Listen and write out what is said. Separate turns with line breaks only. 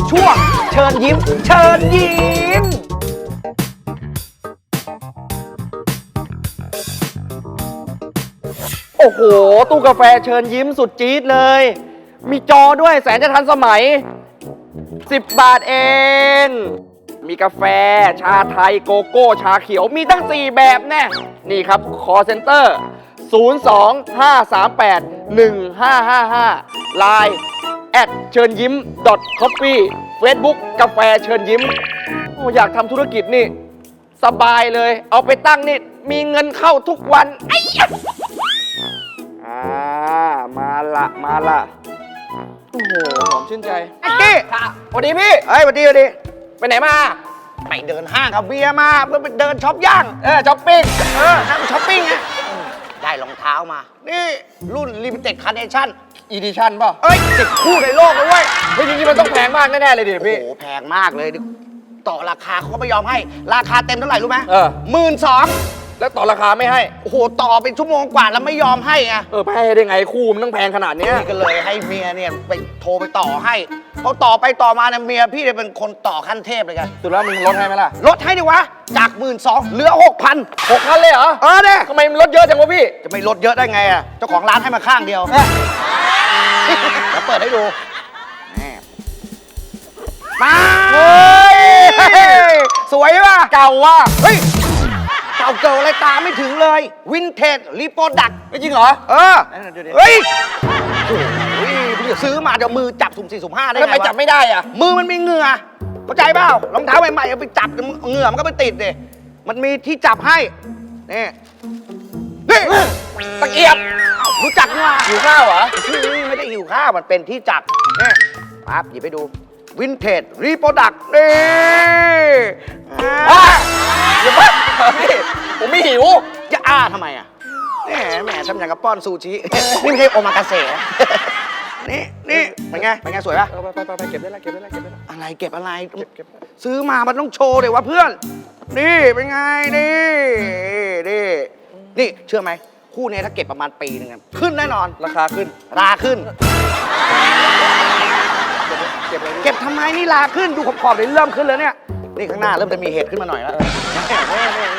ช่วงเชิญยิ้มเชิญยิ้มโอ้โหตู้กาแฟเชิญยิ้มสุดจี๊ดเลย มีจอด้วยแสนจะทันสมัย10 บาทเอง มีกาแฟชาไทยโกโก้ชาเขียวมีตั้ง4แบบแน่นี่ครับ call center 025381555 Line เชิญยิ้ม .coffee Facebook กาแฟเชิญยิ้มโอ้อยากทำธุรกิจนี่สบายเลยเอาไปตั้งนี่มีเงินเข้าทุกวันไอ้ยะมาละโอ้โหหอมชื่นใจไอ้กี้สวัสดีพี่เฮ้ยสวัสดีไปไหนมาไปเดินห้างกับเบียร์มาเพื่อไปเดินช็อปย่างช้อปปิ้งนั่งช้อปปิ้งไงได้รองเท้ามานี่รุ่น Limited Collection Edition ป่ะ10 คู่ในโลกเลยเว้ยเฮ้ยจริงๆมันต้องแพงมากแน่ๆเลยดิพี่โอ้โหแพงมากเลยต่อราคาเขาก็ไม่ยอมให้ราคาเต็มเท่าไหร่รู้ไหม12,000แล้วต่อราคาไม่ให้โอ้โหต่อเป็นชั่วโมงกว่าแล้วไม่ยอมให้ไงไม่ให้ได้ไงคู่มันต้องแพงขนาดนี้นี่ก็เลยให้เมียเนี่ยไปโทรไปต่อให้เขาต่อไปต่อมาเนี่ยเมียพี่เนี่ยเป็นคนต่อขั้นเทพเลยกันสุดแล้วมึงลดให้ไหมล่ะลดให้ดิวะจาก12,000เหลือ 6,000เลยเหรอเนี่ยทำไมมันลดเยอะจังวะพี่จะไม่ลดเยอะได้ไงอ่ะเจ้าของร้านให้มาข้างเดียวแล้วเปิดให้ดูมาเฮ้ยสวยป่ะเก่าว่ะเฮ้ยเก่าเกิดอะไรตามไม่ถึงเลยวินเทจรีโปรดักต์จริงเหรอเฮ้ยพี่จะซื้อมาเดี๋ยวมือจับสุ่ม4สุ่ม5ได้ไงวะทำไมจับไม่ได้อ่ะมือมันมีเหงื่อเข้าใจเปล่ารองเท้าใหม่ๆเอาไปจับเหงื่อมันก็ไปติดดิมันมีที่จับให้นี่ตะเกียบรู้จักมั้ยหิวข้าวเหรอไม่ได้หิวข้าวมันเป็นที่จับนี่ปั๊บหยิบไปดูวินเทจรีโปรดักต์นี่อย่าเพิ่งผมไม่หิวจะทำไมอ่ะแหมทำอย่างกับป้อนซูชินี่ไม่ใช่โอมากาเสะนี่เป็นไงสวยป่ะไปเก็บได้แล้วอะไรเก็บอะไรซื้อมามันต้องโชว์เลยวะเพื่อนนี่เป็นไงนี่เชื่อไหมคู่นี้ถ้าเก็บประมาณปีนึงขึ้นแน่นอนราคาขึ้นเก็บทำไมนี่ลาขึ้นดูขอบๆเลยเริ่มขึ้นแล้วเนี่ยนี่ข้างหน้าเริ่มจะมีเห็ดขึ้นมาหน่อยแล้ว